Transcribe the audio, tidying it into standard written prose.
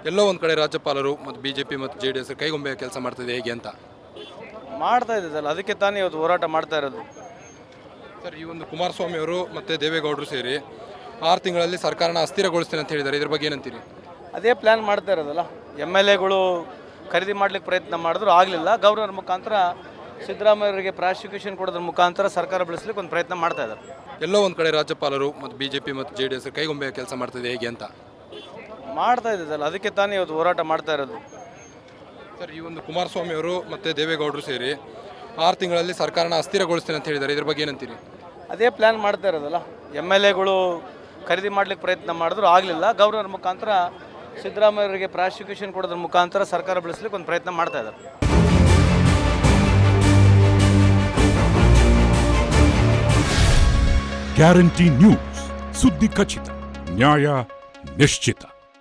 ಎಲ್ಲೋ ಒಂದು ಕಡೆ ರಾಜ್ಯಪಾಲರು ಮತ್ತು ಬಿಜೆಪಿ ಮತ್ತು JDS ಕೈಗೊಂಬೆ ಕೆಲಸ ಮಾಡ್ತಿದೆ ಹೇಗೆ ಅಂತ ಮಾಡ್ತಾ ಇದ್ದಲ್ಲ, ಅದಕ್ಕೆ ತಾನೇ ಇವತ್ತು ಹೋರಾಟ ಮಾಡ್ತಾ ಇರೋದು. ಸರ್, ಈ ಒಂದು ಕುಮಾರಸ್ವಾಮಿ ಅವರು ಮತ್ತು ದೇವೇಗೌಡರು ಸೇರಿ 6 ತಿಂಗಳಲ್ಲಿ ಸರ್ಕಾರನ ಅಸ್ಥಿರಗೊಳಿಸ್ತೀನಿ ಅಂತ ಹೇಳಿದ್ದಾರೆ. ಇದ್ರ ಬಗ್ಗೆ ಏನಂತೀರಿ? ಅದೇ ಪ್ಲ್ಯಾನ್ ಮಾಡ್ತಾ ಇರೋದಲ್ಲ. MLAಗಳು ಖರೀದಿ ಮಾಡ್ಲಿಕ್ಕೆ ಪ್ರಯತ್ನ ಮಾಡಿದ್ರು, ಆಗಲಿಲ್ಲ. ಗವರ್ನರ್ ಮುಖಾಂತರ ಸಿದ್ದರಾಮಯ್ಯವರಿಗೆ ಪ್ರಾಸಿಕ್ಯೂಷನ್ ಕೊಡೋದ್ರ ಮುಖಾಂತರ ಸರ್ಕಾರ ಬೆಳೆಸಲಿಕ್ಕೆ ಒಂದು ಪ್ರಯತ್ನ ಮಾಡ್ತಾ ಇದ್ದಾರೆ. ಎಲ್ಲೋ ಒಂದು ಕಡೆ ರಾಜ್ಯಪಾಲರು ಮತ್ತು ಬಿಜೆಪಿ ಮತ್ತು JDS ಕೈಗೊಂಬೆ ಕೆಲಸ ಮಾಡ್ತಿದೆ ಹೇಗೆ ಅಂತ ಮಾಡ್ತಾ ಇದ್ದಲ್ಲ, ಅದಕ್ಕೆ ತಾನೇ ಇವತ್ತು ಹೋರಾಟ ಮಾಡ್ತಾ ಇರೋದು. ಸರ್, ಈ ಒಂದು ಕುಮಾರಸ್ವಾಮಿ ಅವರು ಮತ್ತು ದೇವೇಗೌಡರು ಸೇರಿ 6 ತಿಂಗಳಲ್ಲಿ ಸರ್ಕಾರನ ಅಸ್ಥಿರಗೊಳಿಸ್ತೀನಿ ಅಂತ ಹೇಳಿದ್ದಾರೆ. ಇದ್ರ ಬಗ್ಗೆ ಏನಂತೀರಿ? ಅದೇ ಪ್ಲ್ಯಾನ್ ಮಾಡ್ತಾ ಇರೋದಲ್ಲ. MLAಗಳು ಖರೀದಿ ಮಾಡ್ಲಿಕ್ಕೆ ಪ್ರಯತ್ನ ಮಾಡಿದ್ರು, ಆಗಲಿಲ್ಲ. ಗವರ್ನರ್ ಮುಖಾಂತರ ಸಿದ್ದರಾಮಯ್ಯವರಿಗೆ ಪ್ರಾಸಿಕ್ಯೂಷನ್ ಕೊಡೋದ್ರ ಮುಖಾಂತರ ಸರ್ಕಾರ ಬೆಳೆಸಲಿಕ್ಕೆ ಒಂದು ಪ್ರಯತ್ನ ಮಾಡ್ತಾ ಇದ್ದಾರೆ. ಗ್ಯಾರಂಟಿ ನ್ಯೂಸ್, ಸುದ್ದಿ ಖಚಿತ, ನ್ಯಾಯ ನಿಶ್ಚಿತ.